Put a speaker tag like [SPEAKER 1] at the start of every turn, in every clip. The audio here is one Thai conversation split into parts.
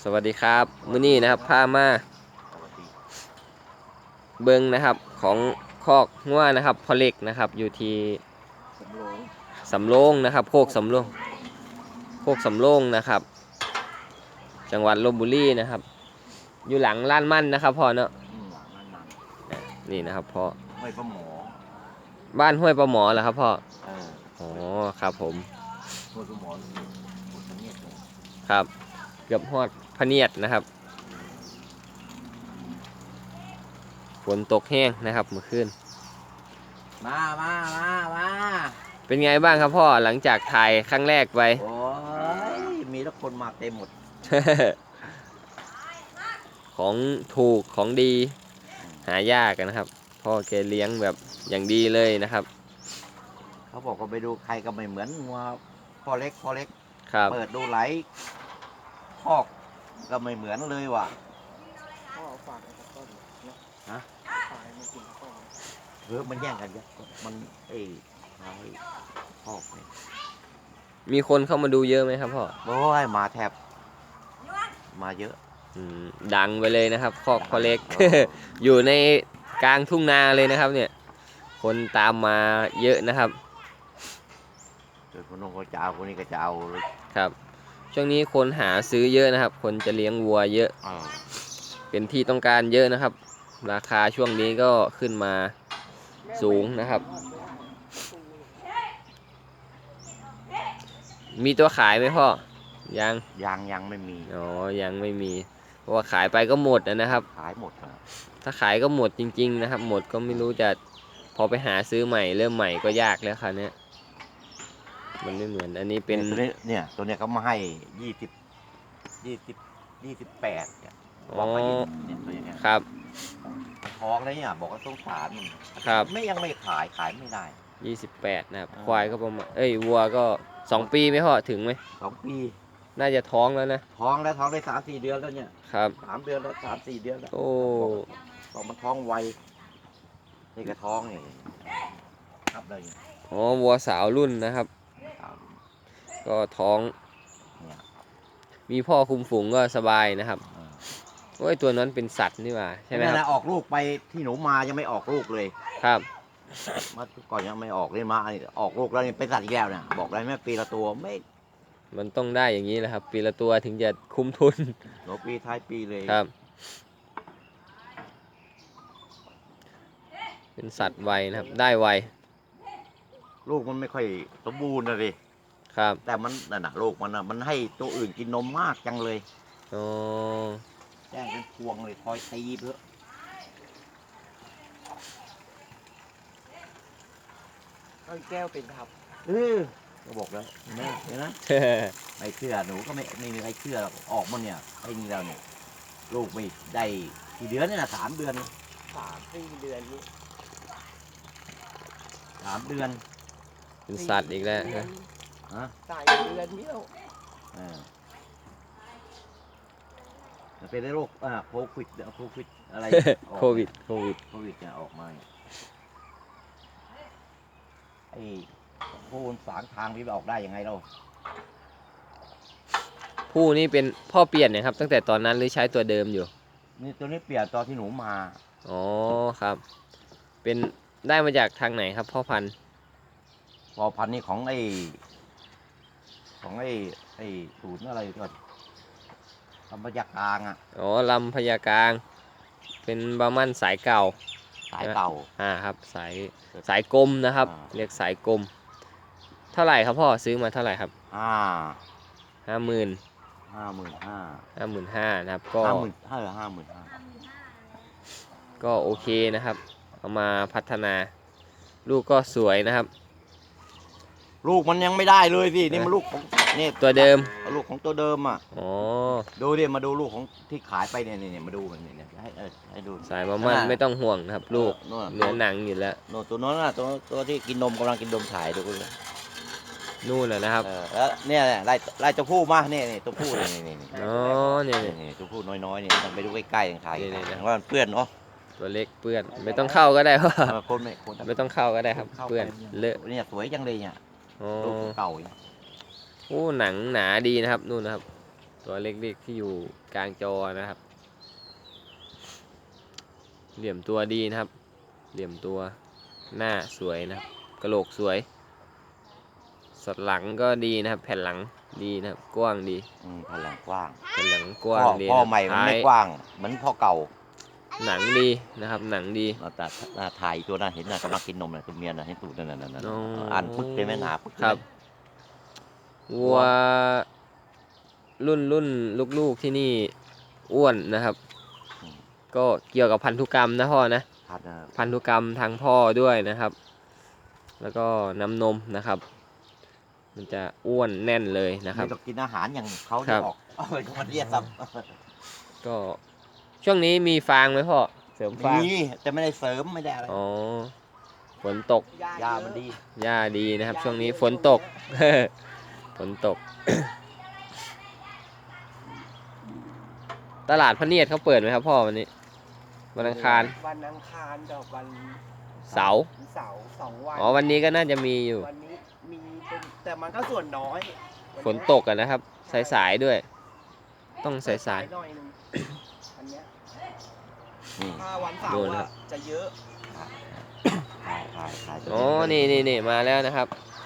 [SPEAKER 1] สวัสดีครับมื้อนี้นะครับพามาเบิงนะครับของคอกงัวนะครับพ่อเล็กนะครับอยู่ที่สำโรงนะครับโคกสำโรงนะครับจังหวัดลพบุรีนะครับอยู่หลังล้านมั่นนะครับพ่อเนาะนี่นะครับพ่อ
[SPEAKER 2] ห้วยปลาหมอ
[SPEAKER 1] บ้านห้วยปลาหมอเหรอครับพ่ออ๋อครับผม
[SPEAKER 2] ห้วยปลาหมอ
[SPEAKER 1] ครับเกือบฮอดพะเนียดนะครับฝนตกแห้งนะครับเมื่อคืน
[SPEAKER 2] มา
[SPEAKER 1] เป็นไงบ้างครับพ่อหลังจากถ่ายครั้งแรกไป
[SPEAKER 2] โอ้ยมีทุกคนมาเต็มหมด
[SPEAKER 1] ของถูกของดีหายากนะครับพ่อแกเลี้ยงแบบอย่างดีเลยนะครับ
[SPEAKER 2] เขาบอกว่าไปดูใครก็ไม่เหมือนงัวพ่อเล็ก
[SPEAKER 1] ครับ
[SPEAKER 2] เปิดดูไหลคอกก็ไม่เหมือนเลยว่ะ
[SPEAKER 3] พ่อฝากกับต้น
[SPEAKER 2] ฮะ
[SPEAKER 3] ฝากมันกินข้าว
[SPEAKER 2] มันแย่งกันเยอะมันหายคอกเนี่ย
[SPEAKER 1] มีคนเข้ามาดูเยอะไหมครับพ่อ
[SPEAKER 2] โอ้ยมาแทบมาเยอะ
[SPEAKER 1] ดังไปเลยนะครับคอกพ่อเล็ก อยู่ในกลางทุ่งนาเลยนะครับเนี่ยคนตามมาเยอะนะครับ
[SPEAKER 2] เกิดคนนู้นก็จะเอาคนนี้ก็จะเอา
[SPEAKER 1] ครับช่วงนี้คนหาซื้อเยอะนะครับ คนจะเลี้ยงวัวเยอะเป็นที่ต้องการเยอะนะครับ ราคาช่วงนี้ก็ขึ้นมาสูงนะครับมีตัวขายไหมพ่อ
[SPEAKER 2] ยังไม่มี
[SPEAKER 1] อ๋อยังไม่มีเพราะว่าขายไปก็หมดนะครับ
[SPEAKER 2] ขายหมด
[SPEAKER 1] ถ้าขายก็หมดจริงๆนะครับหมดก็ไม่รู้จะพอไปหาซื้อใหม่เริ่มใหม่ก็ยากแล้วคราวนี้มันไม่เหมือนอันนี้เป็น
[SPEAKER 2] ตัวนี้เขามาให้28เนี่ยบอกไปเนี่ยตัวนี้
[SPEAKER 1] ครับ
[SPEAKER 2] ท้องเลยเนี่ยบอกว่าสงสารมัน
[SPEAKER 1] ครับ
[SPEAKER 2] ยังไม่ขายไม่ได้
[SPEAKER 1] 28นะครับควายก็ประมาณวัวก็2 ปีไหมพ่อถึงไหม
[SPEAKER 2] 2 ปี
[SPEAKER 1] น่าจะท้องแล้วนะ
[SPEAKER 2] ท้องได้3-4 เดือนแล้วเนี่ย
[SPEAKER 1] ครับ
[SPEAKER 2] 3 เดือนแล้ว3-4 เดือนแล้ว
[SPEAKER 1] โอ้
[SPEAKER 2] บอกมันท้องไวนี่ก็ท้องนี่ครับเลย
[SPEAKER 1] อ๋อวัวสาวรุ่นนะครับก็ท้องมีพ่อคุมฝูงก็สบายนะครับโอ้ยตัวนั้นเป็นสัตว์นี่หว่าใช่ไหมครับ
[SPEAKER 2] ออกลูกไปที่หนูมายังไม่ออกลูกเลย
[SPEAKER 1] ครับ
[SPEAKER 2] มาก่อนยังไม่ออกเลยมาออกลูกแล้วนี่เป็นสัตว์อีกแล้วเนี่ยบอกได้ไหมปีละตัวไม่
[SPEAKER 1] มันต้องได้อย่างนี้แหละครับปีละตัวถึงจะคุ้มทุน
[SPEAKER 2] หนูปีท้ายปีเลย
[SPEAKER 1] ครับเป็นสัตว์ไวนะครับได้ไว
[SPEAKER 2] ลูกมันไม่ค่อยสมบูรณ์นะดิ
[SPEAKER 1] ครับ
[SPEAKER 2] แต่มันนั่นน่ะลูกมันให้ตัวอื่นกินนมมากจังเลย
[SPEAKER 1] อ๋อ
[SPEAKER 2] แจ้งเป็นพวงเลยคอยตีเพื่อ
[SPEAKER 3] แก้วเป็นครับ
[SPEAKER 2] ก็บอกแล้วเห็นไหมไม่เชื่อหนูก็ไม่มีใครเชื่อออกมาเนี่ยไอ้นี่เราเนี่ยลูกไม่ได้กี่เดือนเนี่ย3 เดือน
[SPEAKER 3] 3-4 เดือนนี้
[SPEAKER 2] 3 เดือน
[SPEAKER 1] เป็นสัตว์อีกแล้ว
[SPEAKER 3] 3 เดือนนี้แล้ว
[SPEAKER 2] เป็นโรคโควิดอะไร
[SPEAKER 1] โควิด
[SPEAKER 2] เนี่ยออกมาไอ้ผู้ฝางทางที่ออกได้ยังไงเรา
[SPEAKER 1] ผู้นี่เป็นพ่อเปลี่ยนนะครับตั้งแต่ตอนนั้นหรือใช้ตัวเดิมอยู่
[SPEAKER 2] นี่ตัวนี้เปลี่ยนตอนที่หนูมา
[SPEAKER 1] อ๋อครับเป็นได้มาจากทางไหนครับพ่อพันธุ์
[SPEAKER 2] นี่ของไอ้ศูนย์อะไรก่อนลำพญากลาง
[SPEAKER 1] อ๋อลำพญากลางเป็นบาร์มันสายเก่าครับสายกลมนะครับเรียกสายกลมเท่าไหร่ครับพ่อซื้อมาเท่าไหร่ครับ50,000 นะครับก็ก็โอเคนะครับเอามาพัฒนาลูกก็สวยนะครับ
[SPEAKER 2] ลูกมันยังไม่ได้เลยพี่นี่มันลูกของนี่
[SPEAKER 1] ตัวเดิม
[SPEAKER 2] ลูกของตัวเดิม
[SPEAKER 1] อ๋อ
[SPEAKER 2] ดูดิมาดูลูกของที่ขายไปเนี่ยมาดูมันเนี่ยให้ดู
[SPEAKER 1] สายมันไม่ต้องห่วงนะครับลูกเนื้อหนังอยู่แล้ว
[SPEAKER 2] ตัวนั้นตัวที่กินนมกำลังกินนมถ่ายดูเลย
[SPEAKER 1] นู่นนะครับ
[SPEAKER 2] แล้วเนี่ยไล่ตัวผู้มาเนี่ยตัวผู้นี่
[SPEAKER 1] อ๋อเนี่ย
[SPEAKER 2] ตัวผู้น้อยๆเนี่ยต้องไปดูใกล้ๆถ่ายว่ามันเปื้อนเนาะ
[SPEAKER 1] ตัวเล็กเปื้อนไม่ต้องเข้าก็ได้เพราะ
[SPEAKER 2] คน
[SPEAKER 1] ไม่ต้องเข้าก็ได้ครับเปื้อนเลอะ
[SPEAKER 2] เนี่ยสวยจังเลยเนี่ยลูกเก่า
[SPEAKER 1] โอ้หนังหนาดีนะครับนู่นนะครับตัวเล็กๆที่อยู่กลางจอนะครับ เหลี่ยมตัวดีนะครับ เหลี่ยมตัวหน้าสวยนะครับกระโหลกสวยสัดหลังก็ดีนะครับ แผ่นหลังดีนะครับกว้างดี
[SPEAKER 2] แผ่นหลังกว้าง
[SPEAKER 1] แผ่นหลังกว้างดี
[SPEAKER 2] พ่อ
[SPEAKER 1] นะครับ
[SPEAKER 2] ใหม่มันไม่
[SPEAKER 1] ท้าย
[SPEAKER 2] กว้างเหมือนพ่อเก่า
[SPEAKER 1] หนังดีนะครับ หนังดี
[SPEAKER 2] แต่หน้าถ่ายตัวนั้นเห็นน่ะกำลังกินนมน่ะตัวเมียน่ะเห็นตูดนั่นน่ะ
[SPEAKER 1] อ๋ออ่
[SPEAKER 2] อ่านปึ๊กเลยไหมหนาปึ๊กเลย
[SPEAKER 1] ครับวัวรุ่นลูกๆที่นี่อ้วนนะครับ ก็เกี่ยวกับพันธุกรรมนะพ่อนะ
[SPEAKER 2] พัดนะ
[SPEAKER 1] พันธุกรรมทางพ่อด้วยนะครับ แล้วก็น้ำนมนะครับ มันจะอ้วนแน่นเลยนะครับ
[SPEAKER 2] ไม่ต้องกินอาหารอย่างเขา
[SPEAKER 1] ครั
[SPEAKER 2] ที่
[SPEAKER 1] บ
[SPEAKER 2] ออกมันเรียกซ้
[SPEAKER 1] ก็ช่วงนี้มีฟางไหมพ่อเสริม
[SPEAKER 2] ำ
[SPEAKER 1] ฟาง
[SPEAKER 2] มีแต่ไม่ได้เสริมไม่ได้อะไร
[SPEAKER 1] อ๋อฝนตก
[SPEAKER 2] ยามันดี
[SPEAKER 1] หญ้าดีนะครับ ช่วงนี้ฝนตก ฝนตก ตลาดพระเนียดเขาเปิดไหมครับพ่อวันนี้วันอังคาร
[SPEAKER 3] วันอังคารกับวัน
[SPEAKER 1] เสาร์
[SPEAKER 3] เสาร์2 วัน
[SPEAKER 1] อ๋อวันนี้ก็น่าจะมีอยู่
[SPEAKER 3] วันนี้มีเป็นแต่มันก็ส่วนน้อย
[SPEAKER 1] ฝนตกกันนะครับสายๆด้วย ต้องสาย
[SPEAKER 3] หน่อยนึงอันเนี้ย
[SPEAKER 2] นี่
[SPEAKER 3] ถ้าวันเสา
[SPEAKER 1] ดู
[SPEAKER 3] ร์
[SPEAKER 1] นะครับ
[SPEAKER 3] จะเยอะ
[SPEAKER 2] ถ่าย
[SPEAKER 1] ๆอ๋อนี่มาแล้วนะครับ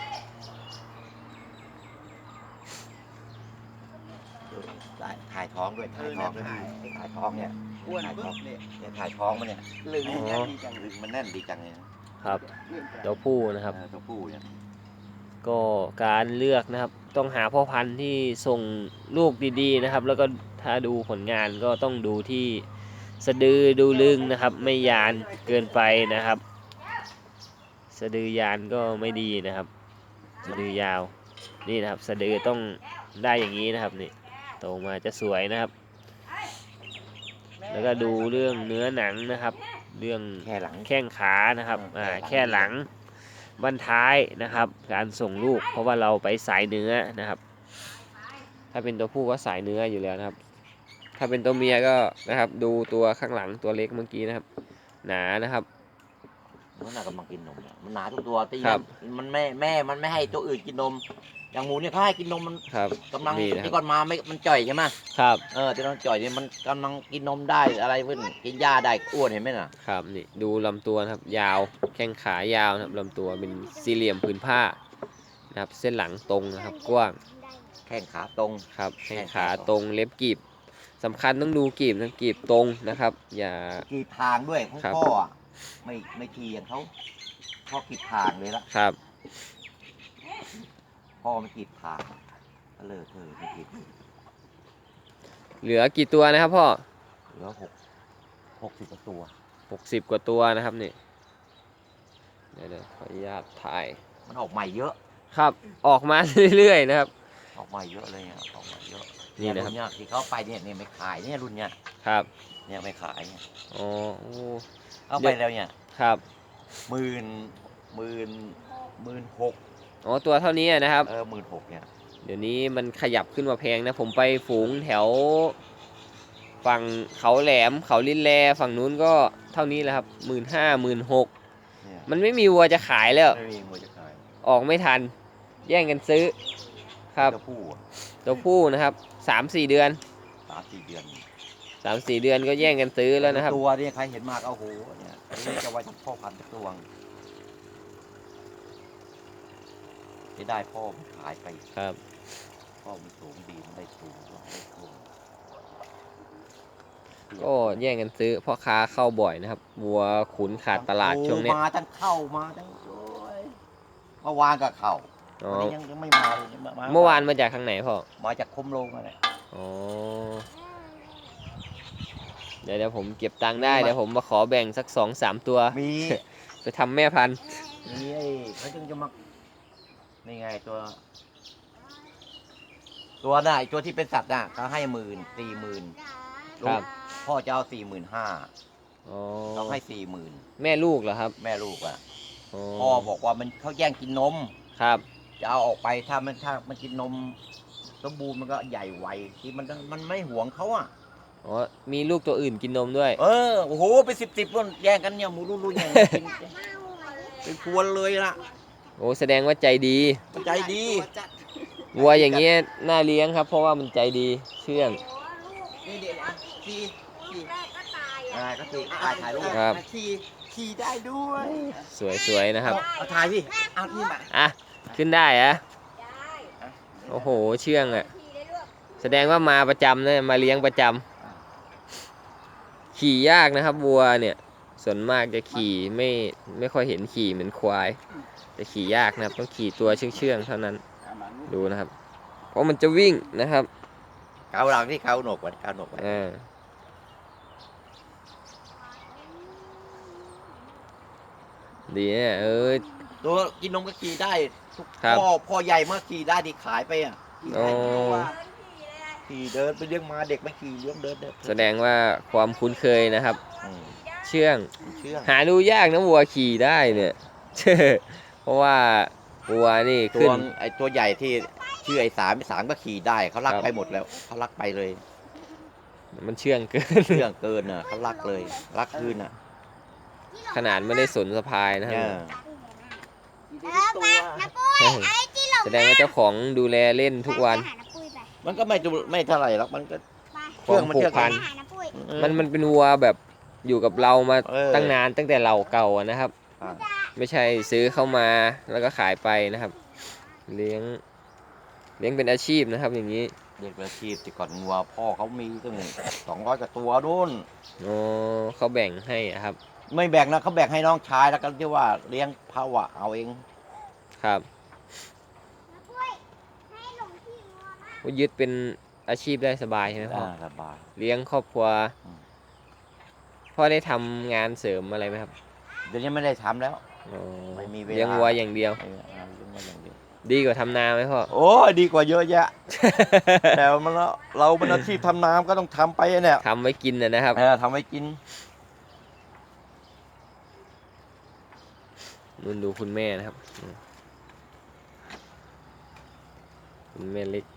[SPEAKER 2] ถ่ายท้องด้วยถ่ายท้องด้วยถ่ายท้องเนี่ย
[SPEAKER 3] อ้วนปึ๊บเลย
[SPEAKER 2] เนี่ยถ่ายท้องมันเนี่ย
[SPEAKER 3] ลึง
[SPEAKER 1] อ๋อ
[SPEAKER 3] แน่นดีจัง
[SPEAKER 2] ลึงมันแน่นดีจังเลยนะครับ
[SPEAKER 1] ตัวผู้นะครับ
[SPEAKER 2] ตัวผู้เนี่ย
[SPEAKER 1] ก็การเลือกนะครับ ต้องหาพ่อพันธุ์ที่ส่งลูกดีๆนะครับ แล้วก็ถ้าดูผลงานก็ต้องดูที่สะดือดูลึงนะครับ ไม่ยานเกินไปนะครับ สะดือยานก็ไม่ดีนะครับ สะดือยาวนี่นะครับ สะดือต้องได้อย่างนี้นะครับนี่โตมาจะสวยนะครับ แล้วก็ดูเรื่องเนื้อหนังนะครับ เรื่อง
[SPEAKER 2] แค่หลัง
[SPEAKER 1] แข้งขานะครับ
[SPEAKER 2] แค่หลัง
[SPEAKER 1] แค่หลังบั้นท้ายนะครับ การส่งลูกเพราะว่าเราไปสายเนื้อนะครับ ถ้าเป็นตัวผู้ก็สายเนื้ออยู่แล้วนะครับ ถ้าเป็นตัวเมียก็นะครับ ดูตัวข้างหลังตัวเล็กเมื่อกี้นะครับ หนานะครับ
[SPEAKER 2] มันน่ะกำลังกินนมเนี่ยมันหนาทุกตัวตี
[SPEAKER 1] ครับ
[SPEAKER 2] มันมันไม่ให้ตัวอื่นกินนม อย่างหมูเนี่ยเขาให้กินนมมัน
[SPEAKER 1] ครับ
[SPEAKER 2] กำลัง
[SPEAKER 1] นี่นะค
[SPEAKER 2] ที่
[SPEAKER 1] รับ
[SPEAKER 2] ก่อนมาไม่มันจ่อยใช่ไหม
[SPEAKER 1] ครับ
[SPEAKER 2] ที่น้องจ่อยเนี่ยมันกำลังกินนมได้อะไรเพื่อนกินหญ้าได้อ้วนเห็นไหมน่ะ
[SPEAKER 1] ครับนี่ดูลำตัวนะครับ ยาวแข้งขายาวนะครับลำตัวเป็นสี่เหลี่ยมผืนผ้านะครับ เส้นหลังตรงนะครับ กว้าง
[SPEAKER 2] แข้งขาตรง
[SPEAKER 1] ครับแข้งขาตรงเล็บกีบสำคัญต้องดูกีบนะกีบตรงนะครับ อย่า
[SPEAKER 2] กีบทางด้วยของ
[SPEAKER 1] ครับ
[SPEAKER 2] พ่ออะไม่ทีอย่างเขาพ่อกีบทางเลยละ
[SPEAKER 1] ครับ
[SPEAKER 2] พ่อไม่กีบทางก็เลยไม่กีบ
[SPEAKER 1] เหลือกี่ตัวนะครับพ่อ
[SPEAKER 2] เหลือ60กว่าตัว
[SPEAKER 1] 60 กว่าตัวนะครับนี่เดี๋ยวขออนุญาตถ่าย
[SPEAKER 2] มันออกใหม่เยอะ
[SPEAKER 1] ครับออกมาเรื่อยๆนะครับ
[SPEAKER 2] ออกใหม่เยอะเลยเนี่ยออกใหม่เยอะ
[SPEAKER 1] นี่นะครับ
[SPEAKER 2] รุ่เนี่ยที่เขาไปเนี่ยไม่ขายเนี่ยรุ่นเนี่ย
[SPEAKER 1] ครับ
[SPEAKER 2] เนี่ยไม่ขายเนี่ย
[SPEAKER 1] อ๋อโอ้
[SPEAKER 2] เอาไปแล้วเนี่ย
[SPEAKER 1] ครับ
[SPEAKER 2] หมื่นหก
[SPEAKER 1] อ๋อตัวเท่านี้นะครับ
[SPEAKER 2] 16,000เนี่ย
[SPEAKER 1] เดี๋ยวนี้มันขยับขึ้นมาแพงนะผมไปฝูงแถวฝั่งเขาแหลมเขาลินแลฝั่งนู้นก็เท่านี้แหละครับ15,000 16,000
[SPEAKER 2] เนี่ย
[SPEAKER 1] มันไม่มีวัวจะขายแล้ว
[SPEAKER 2] ไม่มีมวยจะขาย
[SPEAKER 1] ออกไม่ทัน แย่งกันซื้อครับ
[SPEAKER 2] ตัวผู้อะ
[SPEAKER 1] ตัวผู้นะครับ3-4 เดือน
[SPEAKER 2] 3-4 เดือน
[SPEAKER 1] 3-4 เดือนก็แย่งกันซื้อแล้วนะครับ
[SPEAKER 2] ตัวเนี่ยใครเห็นมากเอาโหเนี่ยอันนี้จะไว้ทำพ่อพันธุ์ตัวงที่ได้พ่อมันขายไป
[SPEAKER 1] ครับ
[SPEAKER 2] พ่อมันสูงดีมันได้สูงได้สูง
[SPEAKER 1] ก็แย่งกันซื้อพ่อค้าเข้าบ่อยนะครับวัวขุนขาดตลาดช่วงนี้
[SPEAKER 2] มาทั้งเข้ามาทั้งโอ้ยเมื่อวานก็เข้า
[SPEAKER 1] อ๋อ
[SPEAKER 2] วันนี้ยังไม่มาเลย
[SPEAKER 1] เมื่อวานมาจากทางไหนพ่อ
[SPEAKER 2] มาจากคมโลงอะไร
[SPEAKER 1] อ๋อเดี๋ยวผมเก็บตังค์ได้เดี๋ยวผมมาขอแบ่งสัก2-3 ตัว
[SPEAKER 2] มี
[SPEAKER 1] ไปทำแม่พันธุ์
[SPEAKER 2] มีไอ้เขาจึงจะมานี่ไงตัวน่ะไอ้ตัวที่เป็นสัตว์น่ะเขาให้40,000
[SPEAKER 1] ครับ
[SPEAKER 2] พ่อจะเอา45,000
[SPEAKER 1] อ๋อ
[SPEAKER 2] เราให้40,000
[SPEAKER 1] แม่ลูกเหรอครับ
[SPEAKER 2] แม่ลูกอ่ะ
[SPEAKER 1] อ๋อ
[SPEAKER 2] พ่อบอกว่ามันเขาแย่งกินนม
[SPEAKER 1] ครับ
[SPEAKER 2] จะเอาออกไปถ้ามันกินนมสมบูรณ์มันก็ใหญ่ไวที่มันไม่หวงเขาอ่ะ
[SPEAKER 1] อ๋อมีลูกตัวอื่นกินนมด้วย
[SPEAKER 2] โอ้โหไป10คนแย่งกันเนี่ยหมูรุ่นแย่งกินเป็นพวนเลยล่ะ
[SPEAKER 1] โอ้แสดงว่าใจดี
[SPEAKER 2] ใจดี
[SPEAKER 3] ตัวจัด
[SPEAKER 1] วัวอย่างเงี้ยน่าเลี้ยงครับ เพราะว่ามันใจดีเชื่อง
[SPEAKER 3] นี่เดี๋ยวนะขี่ขี่
[SPEAKER 2] ก็คือถ่ายรูป
[SPEAKER 1] ครับ
[SPEAKER 3] ขี่ได้ด้วย
[SPEAKER 1] สวยๆนะครับ
[SPEAKER 2] เอาถ่ายพี่
[SPEAKER 3] เอานี่มา
[SPEAKER 1] อ่ะขึ้นได้อะโอ้โหเชื่องอะแสดงว่ามาประจำนะมาเลี้ยงประจำขี่ยากนะครับวัวเนี่ยส่วนมากจะขี่ไม่ค่อยเห็นขี่เหมือนควายจะขี่ยากนะครับต้องขี่ตัวเชื่องๆเท่านั้นดูนะครับ เพราะมันจะวิ่งนะครับ
[SPEAKER 2] เกาหลังที่เกาหนกไว้เกาหนกไว้
[SPEAKER 1] ดีเนี่ย
[SPEAKER 2] ตัวกินนมก็ขี่ได้ทุก
[SPEAKER 1] ครับ
[SPEAKER 2] พ่อใหญ่เมื่อขี่ได้ดีขายไปอ่ะ
[SPEAKER 1] อ๋อ
[SPEAKER 2] ขี่เดินไปเลี้ยงมาเด็กไม่ขี่เลี้ยงเดิน
[SPEAKER 1] แสดงว่าความคุ้นเคยนะครับ
[SPEAKER 2] อืม
[SPEAKER 1] เชื่อง
[SPEAKER 2] เชื่อง
[SPEAKER 1] หาดูยากนะวัวขี่ได้เนี่ย เพราะว่าวัวนี่
[SPEAKER 2] ตั
[SPEAKER 1] ขึ้
[SPEAKER 2] วน ไอ้ตัวใหญ่ที่ชื่อไอ้สามก็ขี่ได้เขาลัก
[SPEAKER 1] ครับ
[SPEAKER 2] ไปหมดแล้วเขาลักไปเลย
[SPEAKER 1] มันเชื่องเกิน
[SPEAKER 2] เชื่องเกินอ่ะเขาลักเลยลักคืนอ่ะ
[SPEAKER 1] ขนาดไม่ได้สนสะพายนะครับ
[SPEAKER 2] เนี่ย
[SPEAKER 3] ขี่ได้ทุกตัว
[SPEAKER 1] แสดงว่าเจ้าของดูแลเล่นทุกวัน
[SPEAKER 2] มันก็ไม่เท่าไหร่หรอกมันก็
[SPEAKER 1] ความผูกพัน มันเป็นวัวแบบอยู่กับเรามาตั้งนานตั้งแต่เราเก่าอะนะครับ
[SPEAKER 2] อ่า
[SPEAKER 1] ไม่ใช่ซื้อเข้ามาแล้วก็ขายไปนะครับ เลี้ยงเป็นอาชีพนะครับ อย่างนี้
[SPEAKER 2] เรียกอาชีพแต่ก่อนงัวพ่อเขามีตั้ง200กว่าตัวนู่น
[SPEAKER 1] อ๋อเขาแบ่งให้อะครับ
[SPEAKER 2] ไม่แบ่งนะเขาแบ่งให้น้องชายแล้วก็เรียกว่าเลี้ยงภาวะเอาเอง
[SPEAKER 1] ครับว่ายึดเป็นอาชีพได้สบายใช่ไหมพ่อ
[SPEAKER 2] สบาย
[SPEAKER 1] เลี้ยงครอบครัว
[SPEAKER 2] อืม
[SPEAKER 1] พ่อได้ทำงานเสริมอะไรไหมครับ
[SPEAKER 2] เดี๋ยวนี้ไม่ได้ทำแล้ว
[SPEAKER 1] อ๋อ
[SPEAKER 2] ไม่มีเวลา
[SPEAKER 1] เลี้ยงวัวอย่างเดียว
[SPEAKER 2] เลี้ยงวัวอย่างเดียว
[SPEAKER 1] ดีกว่าทำนาไหมพ่อ
[SPEAKER 2] โอ้ยดีกว่าเยอะแยะ แต่มันเราเป็นอาชีพทำน้ำก็ต้องทำไปเนี่ย
[SPEAKER 1] ทำไว้กินนะครับ
[SPEAKER 2] ทำไว้กิน
[SPEAKER 1] นุ่นดูคุณแม่นะครับคุณแม่เล็ก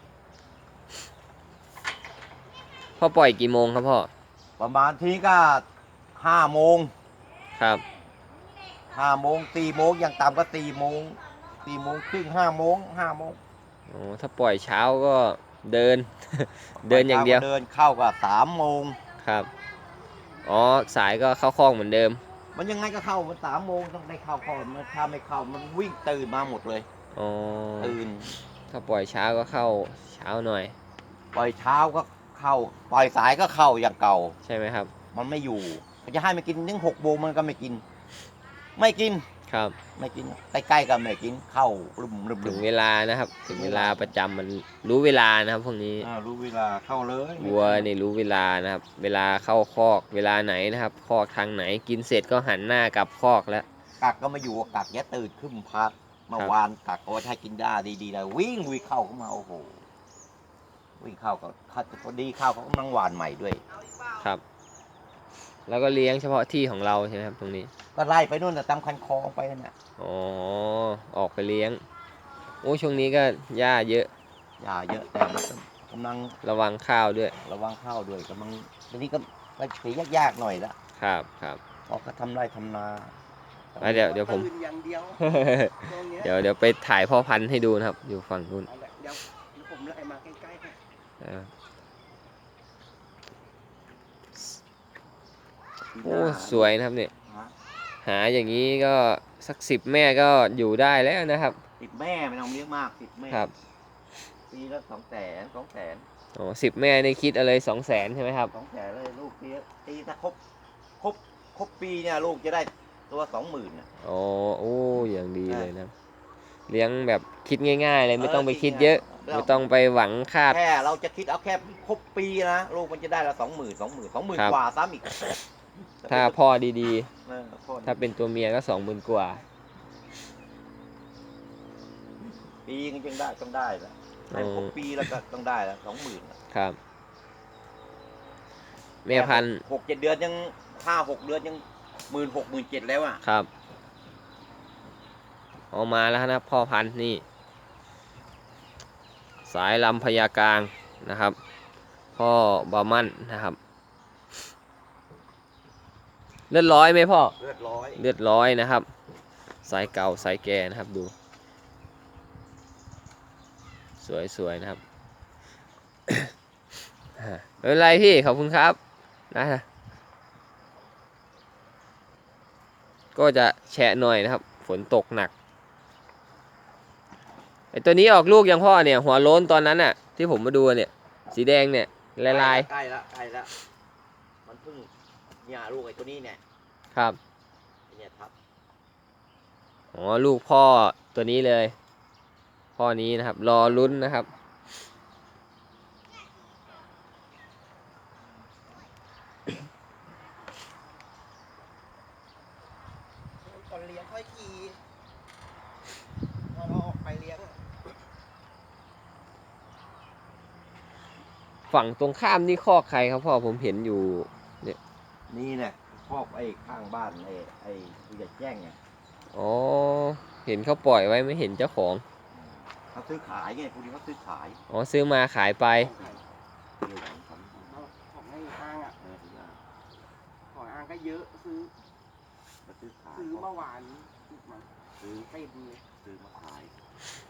[SPEAKER 1] พ่อปล่อยกี่โมงครับพ่อ
[SPEAKER 2] ประมาณทีก็5 โมง
[SPEAKER 1] ครับ
[SPEAKER 2] 4 โมงอย่างต่ำก็4 โมง4 โมงครึ่ง5 โมง5 โมง
[SPEAKER 1] อ๋อถ้าปล่อยเช้าก็เดิน เดินอย่างเดียว
[SPEAKER 2] เดินเข้าก็3 โมง
[SPEAKER 1] ครับอ๋อสายก็เข้าคอกเหมือนเดิม
[SPEAKER 2] มันยังไงก็เข้ามัน3 โมงต้องได้เข้าก่อนมันถ้าไม่เข้ามันวิ่งตื่นมาหมดเลย
[SPEAKER 1] อ๋อ
[SPEAKER 2] ตื่น
[SPEAKER 1] ถ้าปล่อยเช้าก็เข้าเช้าหน่อย
[SPEAKER 2] ปล่อยเช้าก็เข้าปล่อยสายก็เข้าอย่างเก่า
[SPEAKER 1] ใช่ไหมครับ
[SPEAKER 2] มันไม่อยู่มันจะให้มันกินถึง6 โมงมันก็ไม่กิน ไม่กิน
[SPEAKER 1] ครับ
[SPEAKER 2] ไม่กินใกล้ๆกันไม่กินเข้ารึม
[SPEAKER 1] ถึงเวลานะครับ ถึงเวลาประจำมันรู้เวลานะครับพวกนี้
[SPEAKER 2] รู้เวลาเข้าเลย
[SPEAKER 1] วัวนี่รู้เวลานะครับ เวลาเข้าคอกเวลาไหนนะครับ คอกทางไหนกินเสร็จก็หันหน้ากลับคอกแล้ว
[SPEAKER 2] กักก็มาอยู่กักแย่ตื่นขึ้นพักเมื่อวานกักก็ให้กินได้ดีๆเลยวิ่งเข้ามาโอ้โหวิ่งเข้าก็พอดีเข้าเขากำลังหวานใหม่ด้วย
[SPEAKER 1] ครับ แล้วก็เลี้ยงเฉพาะที่ของเราใช่ไหมครับตรงนี้
[SPEAKER 2] ก็ไล่ไปนู่นแต่ตามคันคลองไปนั่นน่ะ
[SPEAKER 1] อ๋อออกไปเลี้ยงโอ้ช่วงนี้ก็หญ้าเยอะ
[SPEAKER 2] ยาเยอะแต่มันก็กำลัง
[SPEAKER 1] ระวังข้าวด้วย
[SPEAKER 2] ระวังเข้าด้วยกำลังทีนี้ก็ไปสียากๆหน่อยละ
[SPEAKER 1] ครับครับ
[SPEAKER 2] เพราะเขาทำไร่ทำนา
[SPEAKER 1] เดี๋ยวผม
[SPEAKER 3] ตื่นอย่างเดียวช่วงเนี้ย
[SPEAKER 1] เดี๋ยวไปถ่ายพ่อพันธุ์ให้ดูนะครับ อยู่ฝั่งนู้น
[SPEAKER 3] เอาละเดี๋ยวผมไล่มาใกล้ๆให้
[SPEAKER 1] อ่าโอ้สวยนะครับเนี่ย หาอย่างนี้ก็สัก10 แม่ก็อยู่ได้แล้วนะครับ
[SPEAKER 2] ติดแม่ไม่ต้องเลี้ยงมากติดแม่
[SPEAKER 1] ครับ
[SPEAKER 2] ปีละ200,000
[SPEAKER 1] อ๋อ10 แม่นี่คิดอะไร200,000ใช่ไหมครับ
[SPEAKER 2] 200,000เลยลูกตีถ้าครบปีเนี่ยลูกจะได้ตัว20,000น่ะ
[SPEAKER 1] อ๋อโอ้อย่างดีเลยนะเลี้ยงแบบคิดง่ายๆเลยไม่ต้องไปคิดเยอะ ไม่ต้องไปหวังคาด
[SPEAKER 2] แค่เราจะคิดเอาแค่ครบปีนะลูกมันจะได้ละ20,000
[SPEAKER 1] ครับ
[SPEAKER 2] กว่าซ้ำอีก
[SPEAKER 1] ถ้าพ่อดี
[SPEAKER 2] พ่อ
[SPEAKER 1] ๆ ถ้าเป็นตัวเมียก็20,000 กว่า
[SPEAKER 2] ปีนึงยังได้ต้องได้ละให้ครบปีแล้วก็ต้องได้ละ20,000น่ะ
[SPEAKER 1] ครับแม่พันธุ์
[SPEAKER 2] 6-7 เดือนยัง5-6 เดือนยัง16,000-17,000แล้วอ่ะ
[SPEAKER 1] ครับออกมาแล้วนะพ่อพันธุ์นี่ สายลำพญากลางนะครับ พ่อบามั่นนะครับ เลือดร้อยไหมพ่อ
[SPEAKER 2] เลือดร้อย
[SPEAKER 1] เลือดร้อยนะครับ สายเก่าสายแก่นะครับดู สสวยๆนะครับ ไม่เป็นไรพี่ขอบคุณครับนะก็จะแฉะหน่อยนะครับฝนตกหนักไอตัวนี้ออกลูกยังพ่อเนี่ยหัวโล้นตอนนั้นน่ะที่ผมมาดูเนี่ยสีแดงเนี่ยลาย
[SPEAKER 2] ใกล้ละมันเพิ่งเนี่ยลูกไอ้ตัวนี้เนี่ย
[SPEAKER 1] ๆครับ
[SPEAKER 2] ไอ้เนี่ยทับ
[SPEAKER 1] อ๋อลูกพ่อตัวนี้เลย พ่อนี้นะครับ รอลุ้นนะครับ
[SPEAKER 3] ตอนเลี้ยงค่อยขี่ตอนเราออกไปเลี้ยงอะ
[SPEAKER 1] ฝั่งตรงข้ามนี่คอกใครครับพ่อผมเห็นอยู่
[SPEAKER 2] นี่เนี่ยครอบไอ้ข้างบ้านไอ้ผู้ใหญ่แจ้งเนี่ย
[SPEAKER 1] อ๋อเห็นเขาปล่อยไว้ไม่เห็นเจ้าของ
[SPEAKER 2] เขาซื้อขายไงพวกนี้เขาซื้อขาย
[SPEAKER 1] อ๋อซื้อมาขายไป
[SPEAKER 2] เรื่องของ
[SPEAKER 3] ของให้อ้างอ่ะ
[SPEAKER 2] เออ
[SPEAKER 3] ของอ้างก็เยอะซื้อ
[SPEAKER 2] เขาซื้อขาย
[SPEAKER 3] ซื้อเมื่อวานมัน
[SPEAKER 2] ซื้อ
[SPEAKER 3] เต็มเลย
[SPEAKER 2] ซื้อมาขาย